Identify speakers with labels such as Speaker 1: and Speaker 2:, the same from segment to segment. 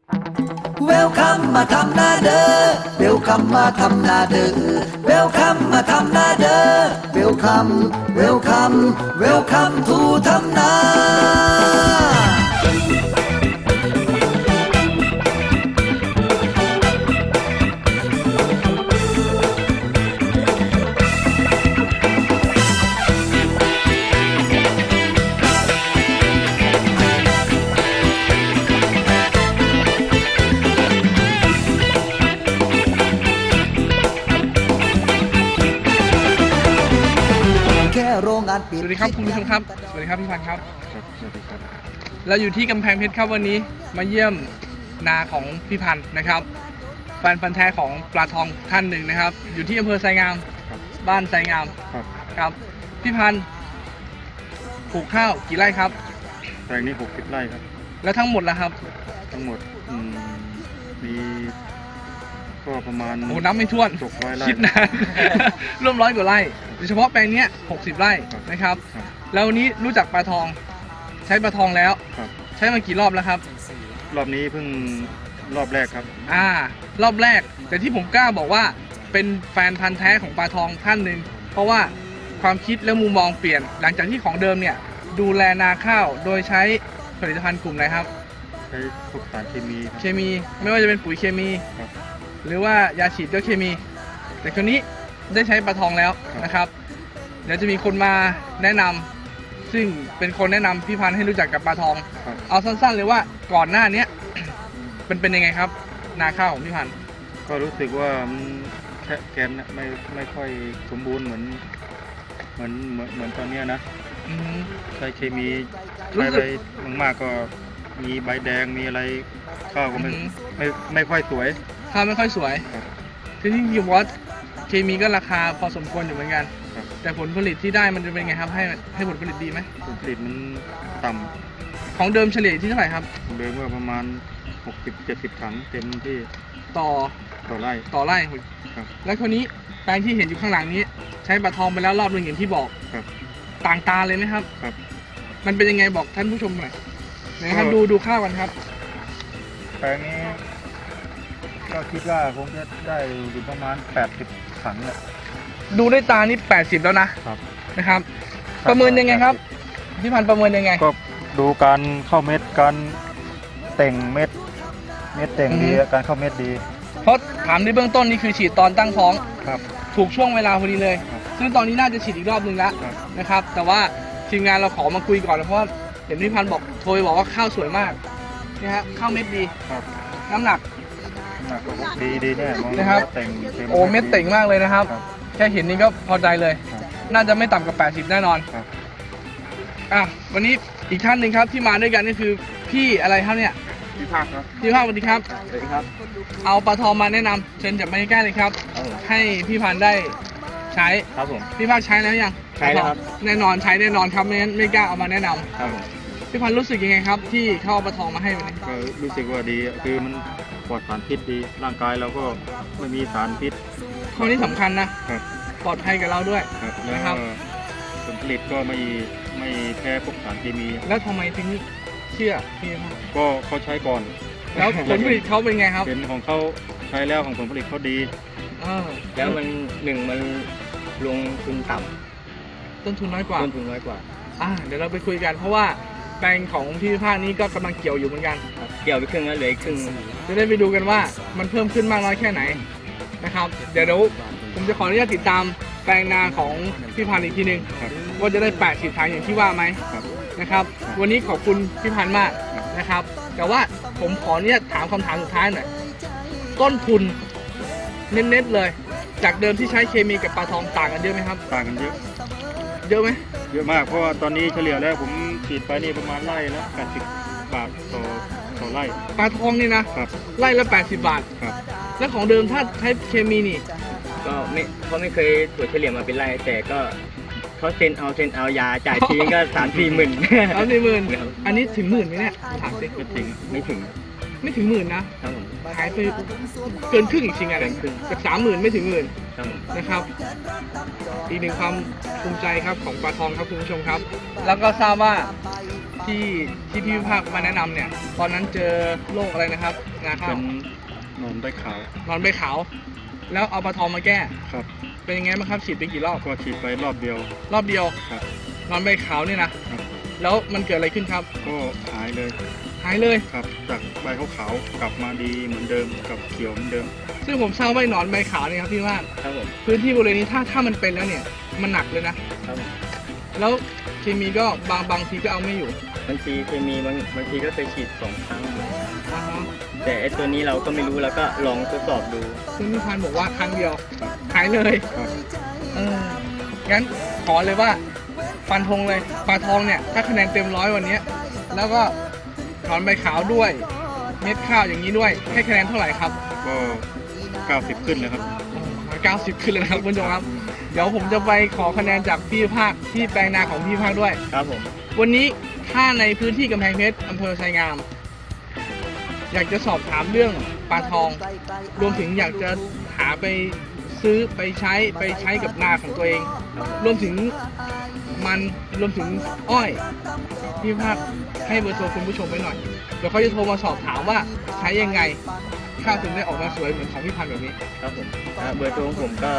Speaker 1: เวลคัมมาทำนาเด้อเวลคัมมาทำนาเด้อเวลคัมมาทำนาเด้อเวลคัมเวลคัมเวลคัมทูทำนาโรงงานปิด
Speaker 2: สวัสดีครับคุณผู้ชมครับสวัสดีครับพี่พันธ์ครับ
Speaker 3: สวัสดีครับ
Speaker 2: เราอยู่ที่กำแพงเพชรครับวันนี้มาเยี่ยมนาของพี่พันธ์นะครับแฟนพันธ์แท้ของปลาทองท่านหนึ่งนะครับอยู่ที่อำเภอไซงามบ้านไซงามครับพี่พันธ์ปลูกข้าวกี่ไร่ครับ
Speaker 3: แปลงนี้60 ไร่ครับ
Speaker 2: แล้วทั้งหมดล่ะครับ
Speaker 3: ทั้งหมดมีก็ประมาณ
Speaker 2: โอ้นับไม่ถ้วน
Speaker 3: 600 ไร่
Speaker 2: คิดนาน ร่วม100 กว่าไร่โดยเฉพาะแปลงนี้60 ไร่นะครับแล้ววันนี้รู้จักปลาทองใช้ปลาทองแล้วใช้มากี่รอบแล้วครับ
Speaker 3: รอบนี้เพิ่งรอบแรกครับ
Speaker 2: รอบแรกแต่ที่ผมกล้าบอกว่าเป็นแฟนพันธ์แท้ของปลาทองท่านหนึ่งเพราะว่าความคิดและมุมมองเปลี่ยนหลังจากที่ของเดิมเนี่ยดูแลนาข้าวโดยใช้ผลิตภัณฑ์กลุ่มไหนครับ
Speaker 3: ใช้พวกสารเค
Speaker 2: มีไม่ว่าจะเป็นปุ๋ยเคมีหรือว่ายาฉีดก็เคมี แต่คราวนี้ได้ใช้ปลาทองแล้วนะครับเดี๋ยวจะมีคนมาแนะนำซึ่งเป็นคนแนะนำพี่พันธ์ให้รู้จักกับปลาทองเอาสั้นๆเลยว่าก่อนหน้านี้เป็นยังไงครับนาข้าวของพี่พันธ์
Speaker 3: ก็รู้สึกว่าแกนไม่ค่อยสมบูรณ์เหมือนตอนนี้นะใช้เคมีใช้ไปมากๆก็มีใบแดงมีอะไรข้าวก็ไม่ค่อยสวย
Speaker 2: ข้าวไม่ค่อยสวยที่จริงๆว่าเคมีก็ราคาพอสมควรอยู่เหมือนกันแต่ผลผลิตที่ได้มันจะเป็นไงครับให้ผลผลิตดีไหม
Speaker 3: ผลผลิตมันต่ำ
Speaker 2: ของเดิมเฉลี่ยที่เท่าไหร่ครับ
Speaker 3: เดิมว่าประมาณ60-70 ถังเต็มที่
Speaker 2: ต่อไร่แล้วคนนี้แปลงที่เห็นอยู่ข้างหลังนี้ใช้ปลาทองไปแล้วรอบนึงอย่างที่บอกต่างตาเลยไหมครับมันเป็นยังไงบอกท่านผู้ชมหน่อยนะครับดูข้าวกันครับ
Speaker 3: แปลงนี้ก็คิดว่าคงจะได้อยู่ประมาณ80 ถังแหละ
Speaker 2: ดูด้วยตานี่80แล้วนะครับประเมินยังไงครับพี่พันธ์ประเมินยังไง
Speaker 3: ก็ดูการเข้าเม็ดการแต่งเม็ดแต่งดีการเข้าเม็ดดี
Speaker 2: เพราะถามในเบื้องต้นนี่คือฉีดตอนตั้งท้องถูกช่วงเวลาพอดีเลยซึ่งตอนนี้น่าจะฉีดอีกรอบนึงแล้วนะครับแต่ว่าทีมงานเราขอมาคุยก่อนเพราะว่าเห็นพี่พันธ์บอกโทรไปบอกว่าข้าวสวยมากนี่ฮะข้าวเม็ดดีน้ำหนัก
Speaker 3: ดีแน่
Speaker 2: นะครับโอ้เม็ดเต่งมากเลยนะครับแค่เห็นนี่ก็พอใจเลยน่าจะไม่ต่ำกว่า80แน่นอนวันนี้อีกท่านหนึ่งครับที่มาด้วยกันนี่คือพี่อะไรครับเนี่ย
Speaker 3: พี่ภาคครับ
Speaker 2: พี่ภาคสวัสดีครับ
Speaker 3: สวัสดีครับ
Speaker 2: เอาปลาทองมาแนะนำเชิญจับมาใกล้เลยครับให้พี่พันธ์ได้ใช้
Speaker 3: ครับผม
Speaker 2: พี่ภาคใช้แล้วยัง
Speaker 3: ใช้แล้วครับ
Speaker 2: แน่นอนใช้แน่นอนครับไม่งั้นไม่กล้าเอามาแนะนำ
Speaker 3: ครับผม
Speaker 2: พี่พันธ์รู้สึกยังไงครับที่เข้าปลาทองมาให้วันนี้
Speaker 3: ก็รู้สึกว่าดีคือมันปลอดสารพิษดีร่างกายเราก็ไม่มีสารพิษ
Speaker 2: ข้อนี้สำคัญนะปลอดภัยกับเราด้วย
Speaker 3: นะครับผลผลิตก็ไม่แพ้พวกสารเคมี
Speaker 2: แล้วทำไมถึงเชื่อพี่
Speaker 3: ก็เขาใช้ก่อน
Speaker 2: แล้วผลผลิตเขาเป็นไงครับ
Speaker 3: เป็นของเขาใช้แล้วของผลผลิตเขาดี
Speaker 4: แล้วมันมันลงทุนต่ำ
Speaker 2: ต้นทุนน้อยกว่าเดี๋ยวเราไปคุยกันเพราะว่าแปลงของพี่ภาคนี้ก็กำลังเกี่ยวอยู่เหมือนกัน
Speaker 4: เกี่ยวไปครึ่งแล้วเหลือครึ่ง
Speaker 2: จะได้ไปดูกันว่ามันเพิ่มขึ้นมากน้อยแค่ไหนนะครับเดี๋ยวผมจะขออนุญาตติดตามแปลงนาของพี่พันธ์อีกทีนึงว่าจะได้80 ถังอย่างที่ว่าไหมนะครับวันนี้ขอบคุณพี่พันธ์มากนะครับแต่ว่าผมขออนุญาตถามคำถามสุดท้ายหน่อยต้นทุนเน้นๆเลยจากเดิมที่ใช้เคมีกับปลาทองต่างกันเยอะไหมครับ
Speaker 3: ต่างกันเยอะ
Speaker 2: ไหม
Speaker 3: เยอะมากเพราะว่าตอนนี้เฉลี่ยแล้วผมฉีดไปนี่ประมาณไร่ละ80 บาทต่อไร่
Speaker 2: ปลาทองนี่นะไร่ละ80 บาทแล้วของเดิมถ้าใช้เคมีนี่
Speaker 4: ก็ไม่เคยตรวจเฉลี่ยมาเป็นไร่แต่ก็เขาเซ็นเอายาจ่ายทีก็3-4 หมื่น
Speaker 2: อันนี้ถึง10,000ไหมเนี่ยถามสิ
Speaker 4: ไม่ถึง
Speaker 2: 10,000นะหายไปเกินครึ่งอีกจริงอ่ะจาก30,000ไม่ถึง10,000นะครับอีกหนึ่งความภูมิใจครับของปลาทองครับคุณผู้ชมครับแล้วก็ทราบว่าที่พี่ภาคมาแนะนำเนี่ยตอนนั้นเจอโรคอะไรนะครับนาข้า
Speaker 3: เป็
Speaker 2: วน
Speaker 3: นอนได้ขาวน
Speaker 2: อนใบขาวแล้วเอาปลาทองมาแก้
Speaker 3: ครับ
Speaker 2: เป็นยังไงบ้างครับฉีดไปกี่รอบ
Speaker 3: ก็ฉีดไปรอบเดียว
Speaker 2: รอบเดียว
Speaker 3: ครับ
Speaker 2: นอนใบขาวเนี่ยนะครับ แล้วมันเกิดอะไรขึ้นครับ
Speaker 3: ก็หายเลย
Speaker 2: หายเลย
Speaker 3: ครับจากใบขาวๆกลับมาดีเหมือนเดิมกับเขียวเหมือนเดิม
Speaker 2: ซึ่งผมทราบว่าหนอนใบขาวเนี่ยครับพี่ว่า
Speaker 4: ครับผม
Speaker 2: พื้นที่บริเวณนี้ถ้ามันเป็นแล้วเนี่ยมันหนักเลยนะ
Speaker 4: ครับผม
Speaker 2: แล้วเคมีก็บางทีก็เอาไม่อยู่
Speaker 4: บางทีเคมีบางทีก็เคยฉีด2 ครั้ง
Speaker 2: อ่าฮะ
Speaker 4: แต่ไอตัวนี้เราก็ไม่รู้เราก็ลองทดสอบดู
Speaker 2: ซึ่งพี่พันธุ์บอกว่าครั้งเดียวหายเลย
Speaker 3: ครับ
Speaker 2: งั้นขอเลยว่าฟันธงเลยปลาทองเนี่ยถ้าคะแนนเต็ม100วันเนี้ยแล้วก็หนอนใบขาวด้วยเม็ดข้าวอย่างนี้ด้วยให้คะแนนเท่าไหร่ครับ
Speaker 3: ก็90ขึ้นเลยครับ
Speaker 2: 90ขึ้นเลยนะครับคุณผู้ชมครับเดี๋ยวผมจะไปขอคะแนนจากพี่ภาคที่แปลงนาของพี่ภาคด้วย
Speaker 4: ครับผม
Speaker 2: วันนี้ถ้าในพื้นที่กำแพงเพชรอำเภอไชยงาม อยากจะสอบถามเรื่องปลาทอง รวมถึงอยากจะหาไปซื้อไปใช้กับนาของตัวเอง รวมถึงมันรวมถึงอ้อยพี่ภาคให้เบอร์โทรคุณผู้ชมไว้หน่อยเดี๋ยวเขาจะโทรมาสอบถามว่าใช้ยังไงข้าวถึงได้ออกมาสวยเหมือนของพี่พันธุ์แบบนี้
Speaker 4: ครับผมเบอร์โทรของผมก็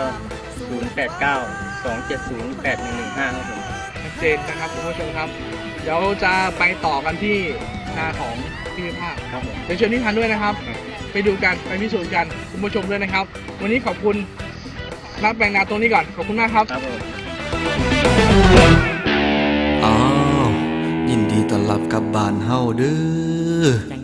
Speaker 4: 089-270-8115 ครับผม
Speaker 2: ชัดเจนนะครับคุณผู้ชมครับ เดี๋ยวจะไปต่อกันที่นาของพี่ภาค
Speaker 4: ครับผม
Speaker 2: เดี๋ยวเชิญพี่พันธุ์ด้วยนะครับ ไปดูกันไปพิสูจน์กันคุณผู้ชมด้วยนะครับ วันนี้ขอบคุณนักแปลงนาตรงนี้ก่อนขอบคุณมากครับ
Speaker 4: ครับผม
Speaker 1: อ้าวยินดีต้อนรับกลับบ้านเฮาเด้อ